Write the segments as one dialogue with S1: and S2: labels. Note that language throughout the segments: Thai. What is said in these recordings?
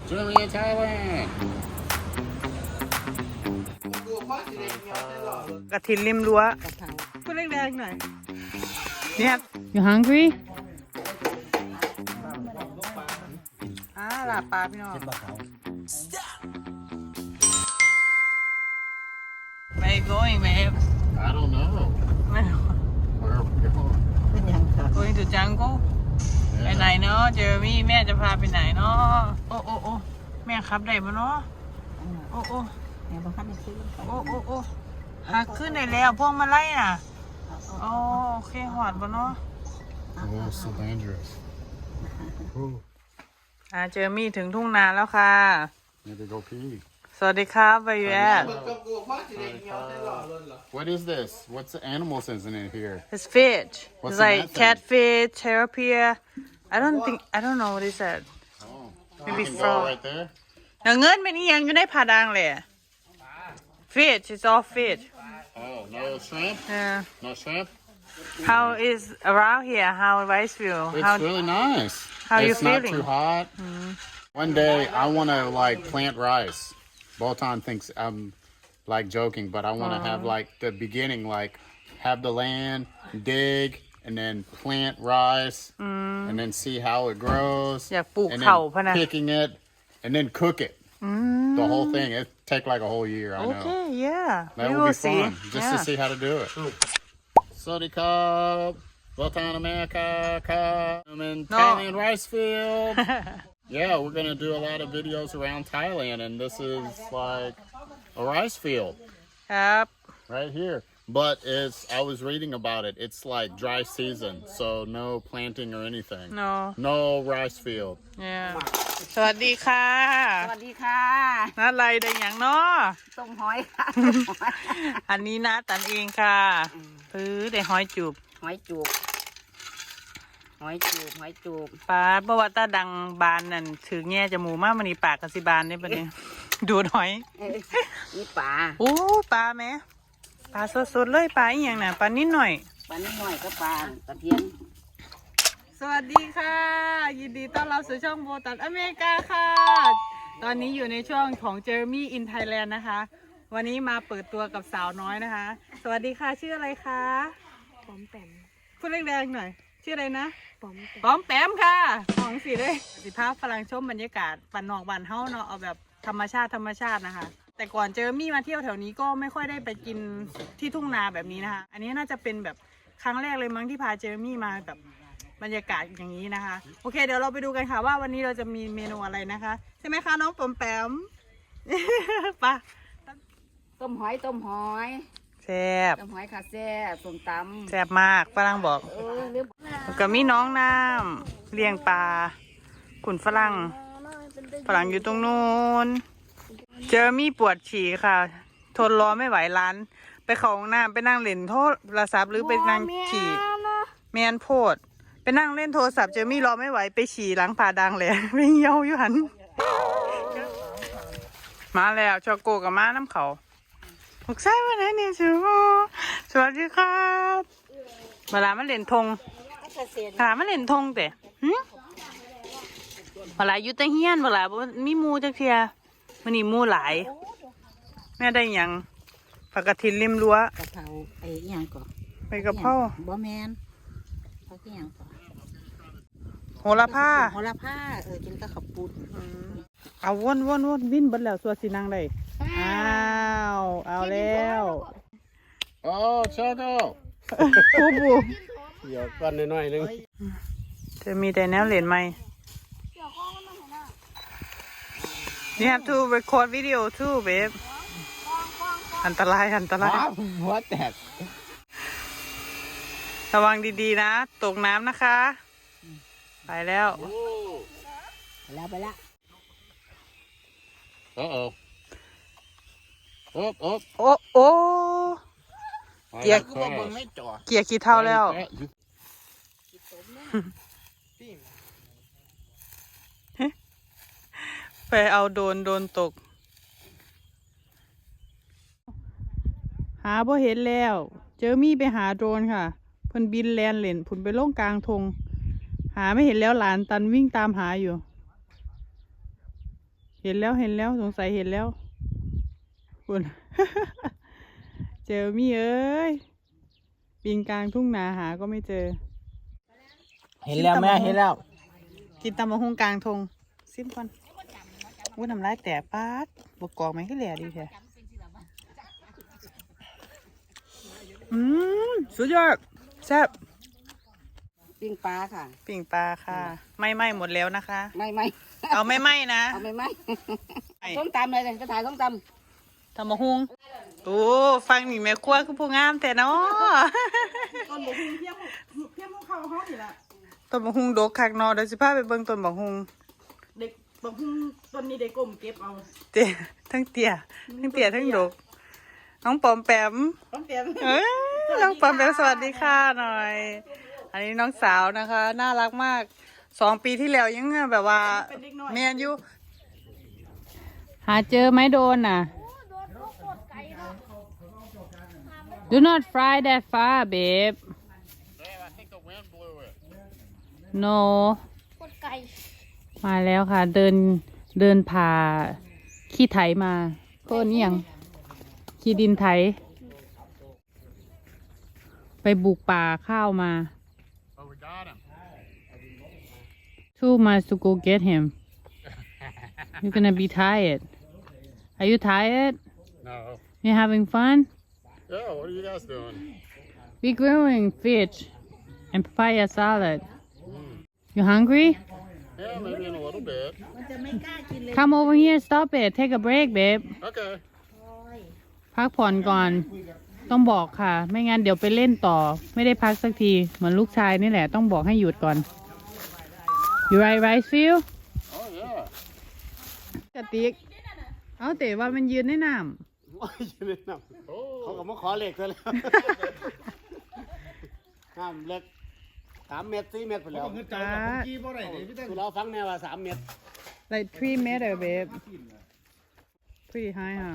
S1: Germany and Thailand
S2: กระถินริมรั้วพูดแรงๆหน่อยเนี่ย You hungry ลาปลาพี่น้องไป going babe
S1: I don't know
S2: ไม่
S1: where are we going
S2: going to jungle ไปไหนเนาะเจอมี่แม่จะพาไปไหนเนาะโอ้แม่ขับได้ปะเนาะโอ้
S3: แม่บังคับให้ซื้อ
S2: โอ้หักขึ้นได้แล้วพวกมาไล่น่ะโอเคหอดปะเนาะ
S1: oh so dangerous
S2: เจอมี่ถึงทุ่งนาแล้วค่ะ
S1: need to go pee
S2: สวัสดีครับ where you at
S1: what is this what's the animals isn't it here
S2: it's fish
S1: What's
S2: it's
S1: in
S2: like
S1: that thing?
S2: catfish tilapia I don't know what is that
S1: oh
S2: Maybe
S1: you can
S2: frog.
S1: go right there
S2: เงินเป็นอีหยังอยู่ในผาดังเลย fish it's all fish
S1: oh no shrimp
S2: yeah
S1: no shrimp
S2: how is around here how Riceville
S1: it's
S2: how
S1: really nice
S2: how you
S1: it's not
S2: feeling?
S1: too hot one day I want to like plant rice Bolton thinks I'm like joking but I want to have like the beginning like have the land dig and then plant rice and then see how it grows
S2: อยากปลูก
S1: and
S2: เขาพะ
S1: then
S2: นะ
S1: picking it and then cook it the whole thing it take like a whole year I know
S2: okay yeah
S1: that
S2: we
S1: would
S2: will
S1: be
S2: see
S1: fun just to see how to do it Sawadee Cup Bolton America Cup I'm in Thailand rice field yeah we're gonna do a lot of videos around Thailand and this is like a rice field
S2: ครับ
S1: right here but it's I was reading about it it's like dry season so no planting or anything
S2: no
S1: no rice field
S2: yeah สวัสดีค่ะ
S3: สวัสดีค่ะ
S2: นัดอะไรได้อย่างเนาะ
S3: ต้มหอยค่ะ
S2: อันนี้นะตันเองค่ะได้หอยจูบ
S3: หอยจูบหอยจูบ
S2: ปลาเพราะว่าตาดังบานนั่นถือแง่จมูกมากมันนี่ปากกสิบานเนี่ยปะเนี่ย ดูดหอย
S3: นี่ปลา
S2: โอ้ปลาไหมปลาสดๆเลยปลาอีกอย่างน่ะปลานิดหน่อย
S3: ปลานิดหน่อยก็ปลากระเทียม
S2: สวัสดีค่ะ ยินดีต้อนรับสู่ช่องโบตันอเมริกาค่ะ ตอนนี้อยู่ในช่วงของ Jeremy in Thailand นะคะ วันนี้มาเปิดตัวกับสาวน้อยนะคะ สวัสดีค่ะชื่ออะไรคะปอมแปมพูดแรงๆหน่อยชื่ออะไรนะปอมแปมค่ะของสีเลยสิภาพฝรั่งชมบรรยากาศปันนอกบ้านเฮาเนาะเอาแบบธรรมชาตินะคะ แต่ก่อนเจอมี่มาเที่ยวแถวนี้ก็ไม่ค่อยได้ไปกินที่ทุ่งนาแบบนี้นะคะ อันนี้น่าจะเป็นแบบครั้งแรกเลยมั้งที่พาเจอมี่มาแบบบรรยากาศอย่างนี้นะคะโอเคเดี๋ยวเราไปดูกันค่ะว่าวันนี้เราจะมีเมนูอะไรนะคะใช่ไหมคะน้องปอมแปม ไป
S3: ต้มหอย
S2: แซ่บ
S3: ต้มหอยค่ะแซ่บส้มตำ
S2: แซ่บมากฝรั่งบอก
S3: หรือ
S2: แล้วก็มีน้องน้ำเลี้ยงปลาขุนฝรั่งอยู่ตรงนู้นเจอมี่ปวดฉี่ค่ะทนรอไม่ไหวร้านไปเข้าห้องน้ำไปนั่งเล่นโทรศัพท์หรือไปนั่งฉี่แมนโพดไปนั่งเล่นโทรศัพท์เจอมี่รอไม่ไหวไปฉี่หลังผาดังเลยไม่เหี่ยวอยู่หันมาแล้วชอโกกับม้าน้ำเขาลูกไส้มาไหนเนี่ยชูสวัสดีครับเวลามาเล่นธงเวลามาเล่นธงแต่เวลาอยู่แต่เฮียนเวลามีมูจักเทียมันนี่มูหลายแม่ได้หยังผักกระถินริมรั้ว
S3: กะเพราไอ้ยังก่อน
S2: ไปกับพ่อ
S3: บ่แมนเขาที่ยังก่อน
S2: โหระพา
S3: โหระพากินกับข้าวปุ้น
S2: เอาวนวิ่นเบิดแล้วสัวสีนางได้อ้าวเอาแล้ว
S1: oh Choco
S2: ปูปู
S1: เดี๋ยวกันหน่อยนึง
S2: จะมีแต่แนวเหรียญไหม You have to record video too babe อันตราย
S1: what that
S2: ระวังดีๆนะตกน้ำนะคะ ไปแล้ว
S3: ไปละ
S1: uh-oh โอ๊บ
S2: โอ้
S1: เกียร์กูบอกมึงไม่จ่อ
S2: เกียร์ขี้เท่าแล้ว ไปเอาโดนตก หาบ่เห็นแล้ว เจอมี่ไปหาโดรนค่ะเพิ่นบินแลนเล่นผุนไปล่งกลางทงหาไม่เห็นแล้วหลานตันวิ่งตามหาอยู่เห็นแล้วสงสัยเห็นแล้วคุณ เจอมี่เอ้ยปีนกลางทุ่งนาหาก็ไม่เจอ
S3: เห็นแล้วแม่เห็นแล้ว
S2: กินตำมะฮุงกลางทงซิมก่อนวุ้นทำร้ายแต่ปาดบกกอกไหมก็แหล่ดีแท้สุดยอดแซ่บ
S3: ปิ้งปลาค่ะ
S2: ปิ่งปลาค่ะ ไม่หมดแล้วนะคะ
S3: ไม่
S2: เอาไม่นะ
S3: เอาไม่ส้มตำเลยจะถ่ายส้มต
S2: ตำมะฮุงโอ้ฟังนี่แม่ครัวคือผู้งามแต่เนาะ
S3: ำต้นบกหุ่งเพี้ยมเข้าห้องนี่แหละ
S2: ต้นบะฮุงดกคักเนาะเดี๋ยวสิพาไปเบิ่งต้นบะฮุง
S3: เด็กบกหุ่งต้นนี้เด็กกลมเก็บเอา
S2: เตี้ยทั้งเตี้ยทั้งดกน้องปอมแปม
S3: ต้องเตรียม
S2: น้องปอมแปมสวัสดีค่ะหน่อย อันนี้น้องสาวนะคะ น่ารักมาก2 ปีที่แล้วยังแบบว่าเมียนอยู่หาเจอไหมโดนน่ะ Do not fly that far babe
S1: Damn, I think the wind blew it.
S2: No มาแล้วค่ะ เดินผ่าขี้ไถมาโทษนี่ยังขี้ดินไถ ไปบุกป่าข้าวมา
S1: Oh, we got him.
S2: 2 miles to go get him You're gonna be tired Are you tired
S1: No.
S2: You having fun
S1: Yeah, what are you guys doing?
S2: We grilling fish and papaya salad You hungry
S1: Yeah, maybe in a little bit.
S2: Come over here stop it take a break babe
S1: Okay.
S2: พักผ่อนก่อน ต้องบอกค่ะ ไม่งั้นเดี๋ยวไปเล่นต่อ ไม่ได้พักสักที เหมือนลูกชายนี่แหละ ต้องบอกให้หยุดก่อน You right rice field
S1: Oh, yeah.
S2: กระติก เอาแต่ว่ามันยืนในน้
S4: ยืนในน้ำเขาก็มาขอเหล็กซะแล้วห้ามเหล็ก3 เมตร 4 เมตรไปแล้ว
S2: ำจ้า
S4: คือเราฟังแนวว่า3 เมตร
S2: like 3 meter babe pretty high huh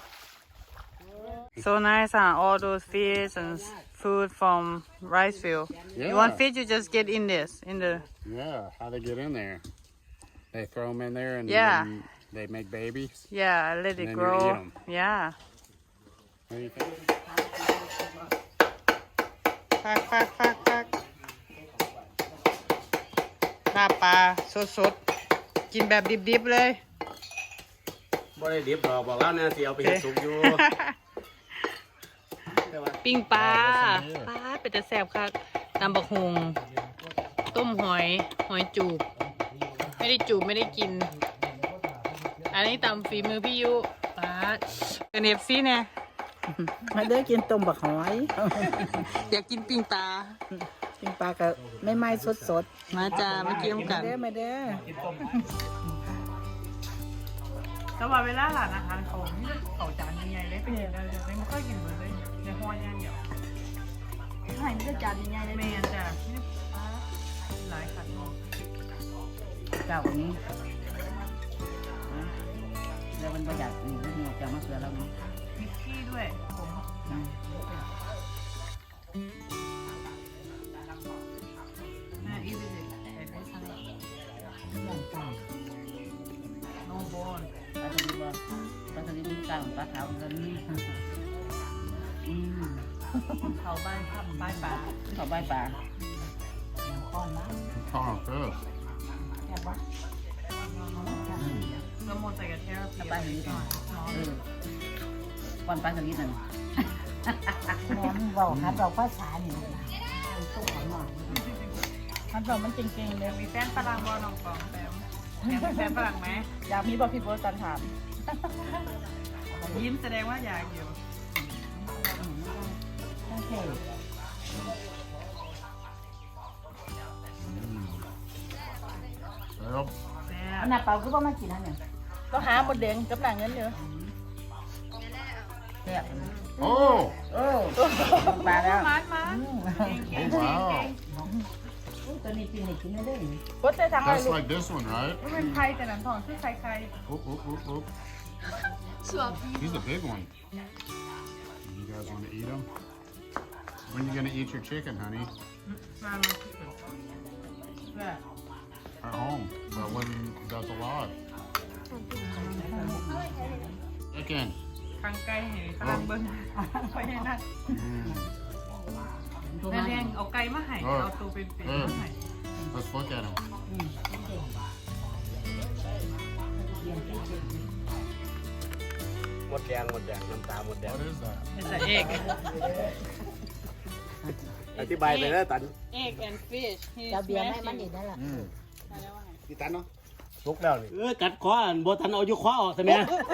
S2: so nice huh all those fish and food from rice field you want
S1: Yeah.
S2: fish you just get in this in the
S1: Yeah, how they get in there? They throw them in there and
S2: Yeah.
S1: then they make babies.
S2: yeah let
S1: And
S2: it
S1: then you
S2: grow
S1: eat 'em.
S2: yeah
S1: What do you think?
S2: ฟักลาบปลาสดๆ กินแบบดิบๆเลย
S4: บ่ได้ดิบดอกบอกแล้วเนี่ยสิเอาไปเฮ็ดสุกอยู่
S2: ปิ้งปลาปลาเป็นแต่แซ่บคักตำบักฮุงต้มหอยจูบ ไม่ได้จูบไม่ได้กิน อันนี้ตำฝีมือพี่ยุปลาเป็นเอฟซีเนี่ย
S3: มาเด้อกินต้มบักหอย
S2: อยากกินปิ้งปลา
S3: ปิ้งปลากับไม่สด
S2: มาจ้ามากินกัน
S3: เด้อมาเด้อ
S2: แต่ว่าเวลาหลานอาหารเขาเขาจานใหญ่ๆเลยเป็นอย่างไรเลยไม่ค่อยกินเลยในห้อยย่างเดียว
S3: หายจะจานใหญ่เลย
S2: แมนจ้ะหลายขันเนาะ
S3: เจ้านี้แล้วมันประหยัดนี่หัวจะมาเสือแล้วเนาะ
S2: มีขี้ด้วยผมอีวิสิโนบอน
S3: ปลาสลิดว่าปลาสลิดมีกลางปลาขาวกันนี่
S2: เขาบ้านข้ามบ้านป่า
S3: เขาใบปลา
S1: Oh, good.
S2: น้ำมันใส่กระเทียม
S3: ปลาสลิดก้อนปลาสลิดนั่นบอกครับเราภาษาเนี่ยตู้ของหน่อยครับเรามันเก่งๆเลย
S2: มีแฟนฝรั่งบอลน้องปองแปมมีแฟนฝรั่งไหม
S3: อยากมีบอกพี่โบตันถาม
S2: ยิ้มแสดงว่าอยากอยู่
S3: โอเค
S1: Well,
S2: แซ่
S3: อั
S2: บ
S3: นนั้นเปล่าคือว่ามากินอันเนี่ยก็หาหมดแดงกับหนังเงินเยอะแซ่บ
S1: oh,
S3: โอ้ปลาแล้ว
S2: มัน
S1: oh wow.
S3: ตัวนี้กินกินได้เลย
S1: That's like this one, right?
S2: มันเป็นไข่แต่หนังทองชื่อไข่
S1: Oop, oop, oop, oop. He's a big one. You guys want to eat him? When you gonna eat your chicken, honey?
S2: มา
S1: At home. But when that's alive. chicken.
S2: ทางไก่ให้ฝรั่งเบิ้งไปให้นั่น
S1: Mm.
S2: แม่แดงเอาไก่มาให้เอาตัวเป็นๆมาให้
S1: Let's look at them.
S4: หมดแดงน้ำตาหมดแดง
S1: What is that?
S2: เป็นแต่เอก
S4: อธิบายไปแล้วตัน
S2: egg and fish
S3: จะเบียร์ให้มันอีกนั่นแหละ
S1: Mm.
S4: กี่ตันเนาะทุกแล้วนี่กัดคออันบ่ทันเอาอยู่คอออกใช่ไหม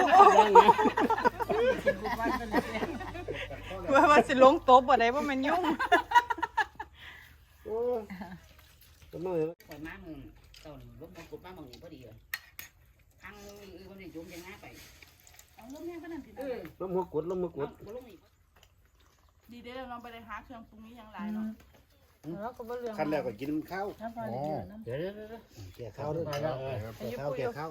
S2: ว่าสิลงโต๊ะบ่ได้ว่ามันยุ่ง
S4: โอ้ก็มือ
S5: ปล่อยม้ามึงตอนรถมันกดม้ามึงพอดีเลยทางคนนี้จุ่มจะง่ายไปเอาลงแม่ก็นั่นสิ
S4: ล้มหัวกด
S5: ลงอีก
S3: ดีเด้อเราไปเลยหาเครื่องปรุงนี้ยังไรเนาะแล้วก็บ่เรื่อง
S4: ขั้นแรกก็กินข้าว
S3: น้ำปลาเดือดน้ำ
S4: เดี๋ยวแก่ข้าวด้วยแก่ข้าว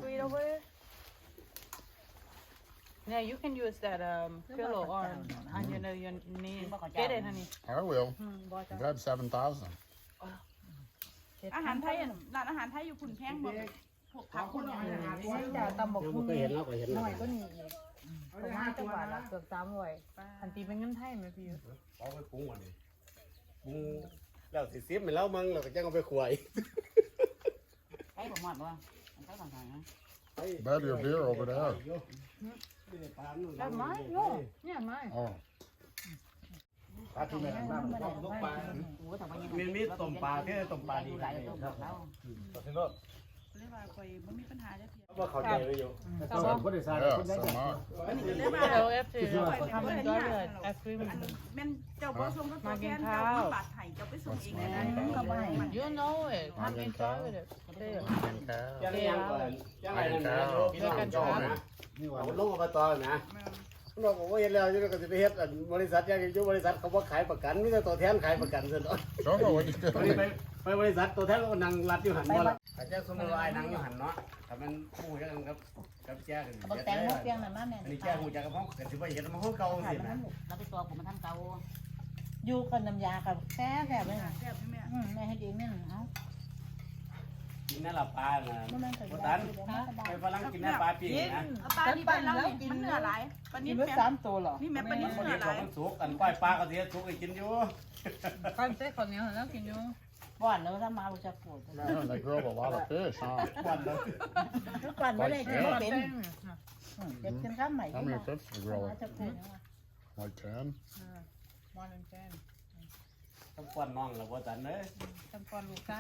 S2: Yeah, you can use that pillow on your knee. Get it, honey.
S1: I will. Grab 7,000.
S3: อาหารไทยร้านอาหารไทยอยู่ขุนแข้งหมดพวกผักคนอาหารจะตำบก
S4: ยัง
S3: หุ่
S4: ไม่
S3: น
S4: เคยเห็นแล้วก็เห็น
S3: หน่อยก็นี่อีกประมาณจังหวัดละเกือบ300
S2: อันตีเป็นเงินไทยไหมพี่
S4: เอาไปปรุงก่อนดิปรุงแล้วสิซิมไปแล้วมั้งเราก็จะเอาไปขวาย
S5: ใช้ผมหมดบ่ใช้ของใครนะ
S1: Bet your beer over there.
S3: ได้ไหมโน่เนี่ยไหม
S1: Oh.
S4: ปลาที่แม่น้ำต้มปลา
S5: โอ้แต่ว่ายัง
S4: มีต้มปลาแค่ต้มปลาดี
S5: หลายต้มแล้ว
S4: ที่โน่น
S3: เรียกว่าคอยไม่มีปัญหาจะเพียง
S4: ว่าเขาใจไว้อยู่
S1: Yeah, some are.
S3: เอลเอฟซีทำเป็นตัวเลยไอศครีม
S2: แม่นเจ้าบ่ส่งก็ตัวแทนเจ้ามีบาทไห้เจ้าไปส่งเองได้
S3: You know it ทำ enjoy with it
S4: ยังยังก่อนยังไงนะพี่น้องจอนะเอาลงอบตนะเราบอกว่าเห็นแล้วจะก็จะไปเฮ็ดบริษัทยังอยู่บริษัทเขาว่าขายประกันมีแต่ตัวแทนขายประกันซะเนาะ
S1: Show me what you
S4: ตอนนี้
S1: did.
S4: ไปบริษัทตัวแทนก็นั่งรัดอยู่หันบ่ละอาจจะสมมติว่าไอ้นั่งอยู่หันเนาะถ้ามันคู่กันกับแจ้กัน
S3: บอกแต่งหมดเพียงน่ะมาแม่
S4: อันนี้แจ้หูจักกับห้องก็สิว่าเห็นมันห้องเก่าสินะ
S5: เราไปตัวผมมันทำเก่า
S3: อยู่คนน้ำยากับแซ่บเลยนะ
S2: แซ่บใช่ไหม
S3: แม่ให้ดีนี่เอ้า
S4: กินนั่นละปลาน่ะ
S3: บ่แม่นใส่
S4: บ่
S3: ยา
S4: ตัน
S3: เดี๋ยวมันสบาย
S4: ไปฝรั่งกินนั่นปลาปีนะ
S2: ปลาที่บ้านเรากินเนื้อหลายปลา
S3: กิ
S2: นิ่
S3: น
S2: ม
S3: ไว้
S2: แม่
S3: 3ตัวเหรอ
S2: นี่แม่ปลานิ่ม
S4: พอ
S2: เนื้
S4: ดี
S2: อห
S4: เขา
S2: ลาย
S4: มันสุกกันก้อยปลาก็สิสุกให้กินอยู่
S2: ก้อนเส้นคนนี้แล้วกินอยู่
S3: ก่อนแล้วถ้ามาเราจะปวด
S1: Man, they grill a lot of fish, huh?
S4: ควันเลย
S3: ทุกวันไม่ได้กินเป็นเด็กกินข้าวใหม่
S1: How many fish do you grill?
S3: จะเป็น
S1: Like 10?
S2: มอนแจ้ง
S4: ต้องควันน้องแล้วบ่ตันเด้อ
S2: ทำก้อนลูกไส้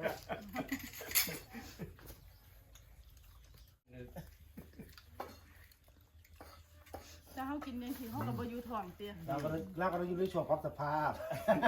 S3: ถ้าเขากินยังสิเขาก็บ่อยู่ท้องเตี้ย
S4: เราก็อยู่ในช่วงปรับสภาพ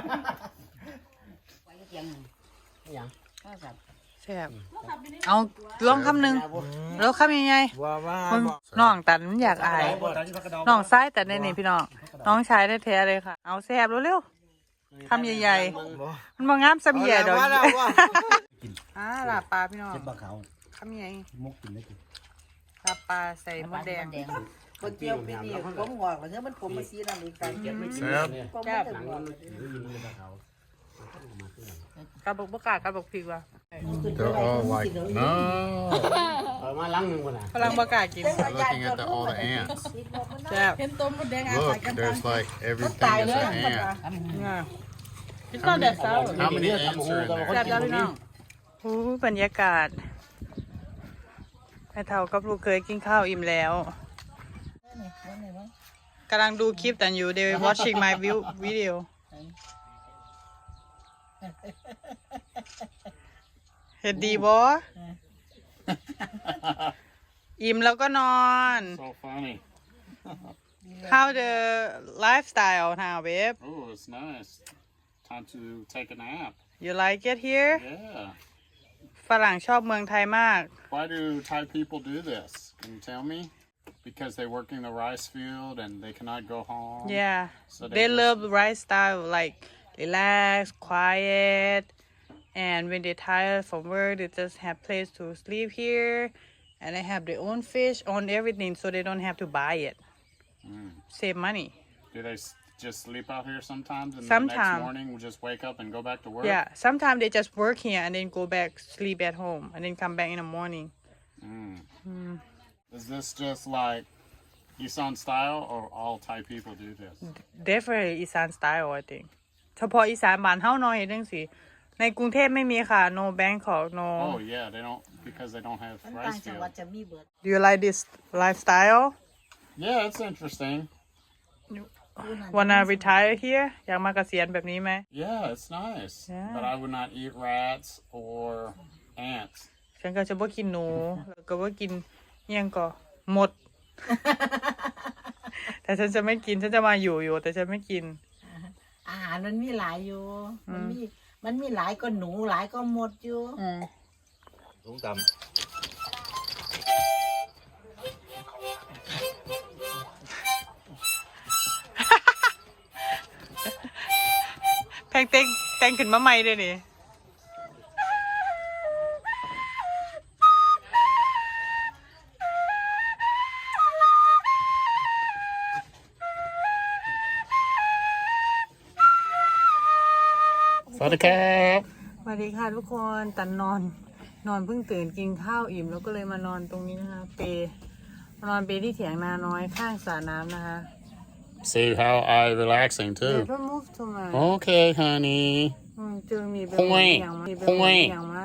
S5: ไปเตียงอย่างก็แบบ
S2: แซ่บเอาลองคำหนึ่งแล้วคำยังไงน้องตันมันอยากอายน้องซ้ายแต่ในนี่พี่น้องน้องชายแท้ๆเลยค่ะ เอาแซ่บเร็วๆคำใหญ่ๆมันมางามสมีแย่ดอกลาบปลาพี่น้อง
S4: เจ็บปลาขาว
S2: คำใหญ่
S4: มกกินได้กิน
S2: ลาบปลาใส่มดแดง
S6: คนเจียวปีนี้ผมงอกแล้วเนี่ยมันผมมาซีนั่นอีกกัน
S4: เจ็บไม่กินเนี่ย
S6: ผม
S2: แซ่
S6: ไม่
S2: บ
S6: ถึง
S4: หนัง
S6: งอ
S4: มั
S6: ก
S4: นอยู่ในปลาขาว
S2: กระบอกบกาดกระบอกพริกว่ะ
S1: They're all like, no.
S4: เอามาล้างหนึ่งคนน่ะ
S2: พลังบกาดกิน
S1: I'm looking at all the ants.
S2: แซ่บ
S3: เห็นต้มมดแดงอาศั
S1: Look,
S3: ยกัน
S1: there's like everything is an ant.
S2: พี่ต้นเด็ดเศร้า
S1: How many ants are in
S2: แซ่บ
S1: there?
S2: แล้วพี่น้องอู้บรรยากาศแม่เฒ่ากับลูกเคยกินข้าวอิ่มแล้วกำลังดูคลิปแต่อยู่ they watching my video เห็นดีบ่อิ่มแล้วก็นอน
S1: So funny.
S2: how the lifestyle now babe
S1: Oh, it's nice. Time to take a nap.
S2: you like it here
S1: Yeah.
S2: ฝรั่งชอบเมืองไทยมาก
S1: Why do Thai people do this? Can you tell me? Because they work in the rice field and they cannot go home.
S2: yeah
S1: So
S2: they
S1: just-
S2: love right style like relax quiet and when they're tired from work they just have place to sleep here and they have their own fish own everything so they don't have to buy it save money
S1: Do they just sleep out here sometimes and the
S2: Sometime.
S1: next morning we'll just wake up and go back to work?
S2: yeah sometimes they just work here and then go back sleep at home and then come back in the morning
S1: Is this just like Isan style or all Thai people do this?
S2: definitely อีสาน style I think เฉพาะอีสานบ้านเฮาน้อยเฮ็ดจังซี่ในกรุงเทพไม่มีค่ะ no Bangkok no
S1: Oh yeah, they don't because they don't have
S6: ต่าง
S1: rice
S6: จังหวัด
S1: fields.
S6: จะมีเบิด
S2: Do you like this lifestyle
S1: Yeah, it's interesting.
S2: wanna retire here อยากมาเกษียณแบบนี้ไหม
S1: Yeah, it's nice.
S2: Yeah.
S1: But I would not eat rats or ants.
S2: ฉันก็จะบ่กินหนูแล้วก็บ่กินอิหยังก็หมด แต่ฉันจะไม่กินฉันจะมาอยู่แต่ฉันไม่กิน
S6: อาหารมันมีหลายอยู่ มันมีหลายก็หนูหลายก็หมดอยู่
S7: ลุงต
S2: แพงแต่งขึ้นมาใหม่ด้วยนี่
S1: สวัสดีครับ
S2: สวัสดีค่ะทุกคนตันนอนเพิ่งตื่นกินข้าวอิ่มแล้วก็เลยมานอนตรงนี้นะคะนอนเปที่เถียงนาน้อยข้างสระน้ำนะคะ
S1: See how I relaxing too.
S2: Never move too much
S1: Okay, honey.
S2: เจอมีเป็น
S1: โอ้ย
S2: อย่างมา
S1: โอ้ย
S2: อย่างมา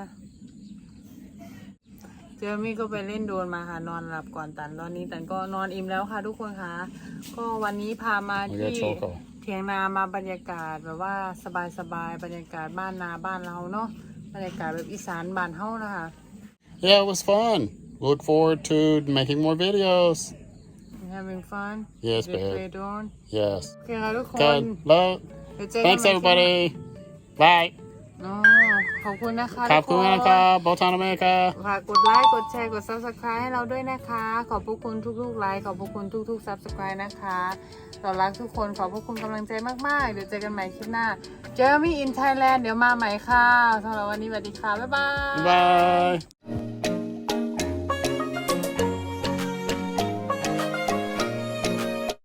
S2: เจอมี่ก็ไปเล่นโดรนมาค่ะนอนหลับก่อนตันตอนนี้ตันก็นอนอิ่มแล้วค่ะทุกคนค่ะก็วันนี้พามา
S1: We
S2: ที่
S1: got choco.
S2: เถียงนามาบรรยากาศแบบว่าสบายๆบรรยากาศบ้านนาบ้านเราเนาะบรรยากาศแบบอีสานบ้านเฮานะคะ
S1: Yeah, it was fun. Look forward to making more videos.
S2: having fun
S1: Yes,
S2: They play
S1: babe.
S2: drone
S1: Yes.
S2: โอเคค่ะทุกคน
S1: Good. Love.
S2: เดี๋ยวเจอกัน
S1: Thanks
S2: ใหม่
S1: everybody. Bye.
S2: อ๋อขอบคุณนะคะ
S1: ขอบคุณนะครับบอลทานอเมริกา
S2: ฝากกดไลค์กดแชร์กด subscribe ให้เราด้วยนะคะ ขอบพระคุณทุกๆไลค์ขอบพระคุณทุกๆ subscribe นะคะต่อรักทุกคนขอบพระคุณกำลังใจมากๆเดี๋ยวเจอกันใหม่คลิปหน้า Jeremy in Thailand เดี๋ยวมาใหม่ค่ะสำหรับวันนี้สวัสดีค่ะบ๊ายบาย
S1: Bye.